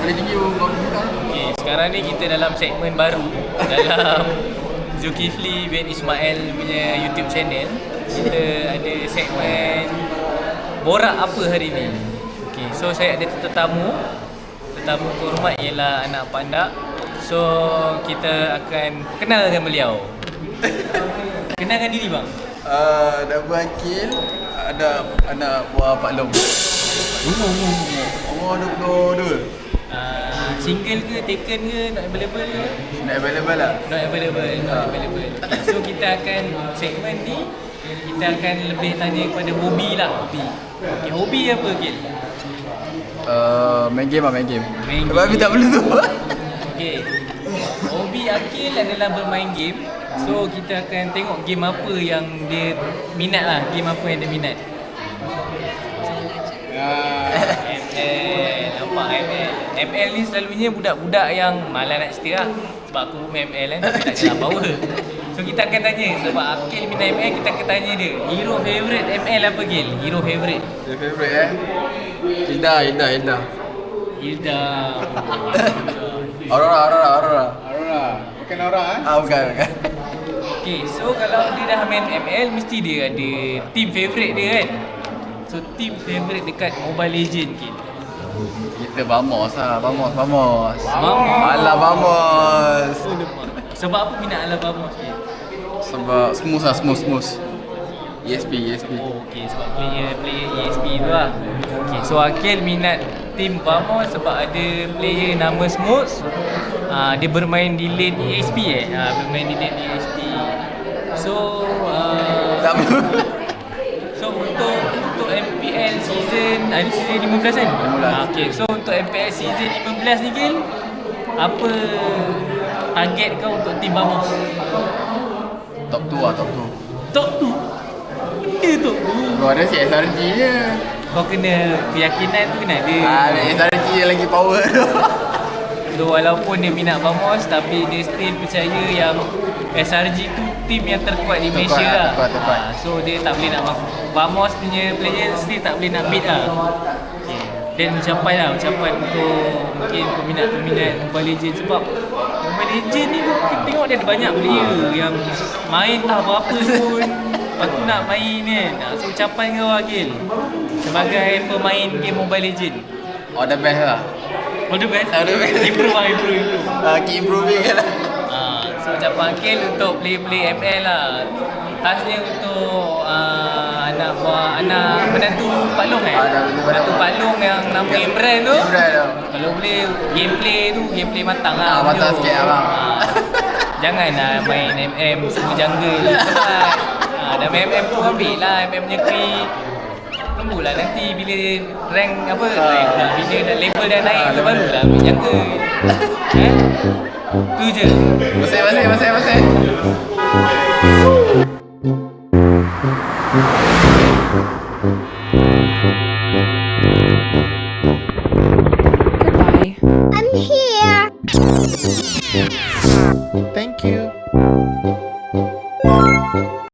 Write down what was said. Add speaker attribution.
Speaker 1: paling tinggi kau kita.
Speaker 2: Okay, sekarang ni kita dalam segmen baru dalam Zulkifli bin Ismail punya YouTube channel. Kita ada segmen borak apa hari ni. Okay, so saya ada tetamu kehormat ialah anak pandak. So kita akan kenalkan beliau. Kenalkan diri bang.
Speaker 1: Nama Akil, ada anak buah Pak Long. Umur 22.
Speaker 2: Single ke, taken ke, not available ke?
Speaker 1: Nak available lah.
Speaker 2: Not available. So kita akan segmen ni kita akan lebih tanya kepada hobi lah. Okay, hobi apa Akil?
Speaker 1: Main game.
Speaker 2: Main
Speaker 1: Tapi
Speaker 2: game.
Speaker 1: tak perlu tu.
Speaker 2: Okay, hobi Akil adalah bermain game. So kita akan tengok game apa yang dia minat lah. Game apa yang dia minat. ML, nampak ML ni selalunya budak-budak yang malas nak cerita lah. Sebab aku main ML kan, tapi tak jelas power. So kita akan tanya, sebab Akil minat ML, kita akan tanya dia, hero favourite ML apa Gil? Hero favourite?
Speaker 1: Your favourite Hilda.
Speaker 2: Hilda.
Speaker 1: Aurora.
Speaker 3: Bukan orang
Speaker 1: Bukan.
Speaker 2: Okay, so kalau dia dah main ML, mesti dia ada team favourite dia kan? So team favourite dekat Mobile Legend Gil?
Speaker 1: Kita Vamos lah. Vamos.
Speaker 2: Alah,
Speaker 1: Vamos.
Speaker 2: Sebab apa minat Alah Vamos Gil?
Speaker 1: Sebab smooth. ESP.
Speaker 2: Oh, okay, sebab player ESP tu lah. Okay, so Akil minat team Vamos sebab ada player nama Smooth. Dia bermain di lane ESP bermain di lane ESP. So
Speaker 1: Tak perlu.
Speaker 2: so untuk MPL season ada season 15 kan?
Speaker 1: 15.
Speaker 2: Okay, so untuk MPL season 15 ni Gil, apa target kau untuk team Vamos?
Speaker 1: Top 2 lah,
Speaker 2: Top 2? Dia top 2.
Speaker 1: Kau ada si SRG je.
Speaker 2: Kau kena keyakinan tu kena ada.
Speaker 1: SRG yang lagi power tu.
Speaker 2: So walaupun dia minat Vamos, tapi dia still percaya yang SRG tu team yang terkuat di Malaysia lah.
Speaker 1: Terkuat.
Speaker 2: So dia tak boleh nak Vamos punya player still tak boleh nak beat lah. Okay. Dan ucapan untuk mungkin peminat-peminat Mobile Legends. Sebab Mobile Legends ni kita tengok dia ada banyak player yang main tak berapa pun lepas tu nak main kan. So ucapan kau Akil sebagai pemain game Mobile Legends.
Speaker 1: All the best lah.
Speaker 2: All the best?
Speaker 1: All the best.
Speaker 2: Improve.
Speaker 1: Keep improving lah.
Speaker 2: So ucapan Akil untuk play ML lah. Khasnya untuk anak menantu Pak Long menantu Pak Long yang nama Imran tu. Kalau boleh gameplay matang lah.
Speaker 1: Matang sikit abang.
Speaker 2: Janganlah main MM semua jungle sebab dah main MM tu ambil lah MM punya key. Tunggulah nanti bila rank bila dah level dah naik tu barulah ambil jungle. Tu je.
Speaker 1: Masih.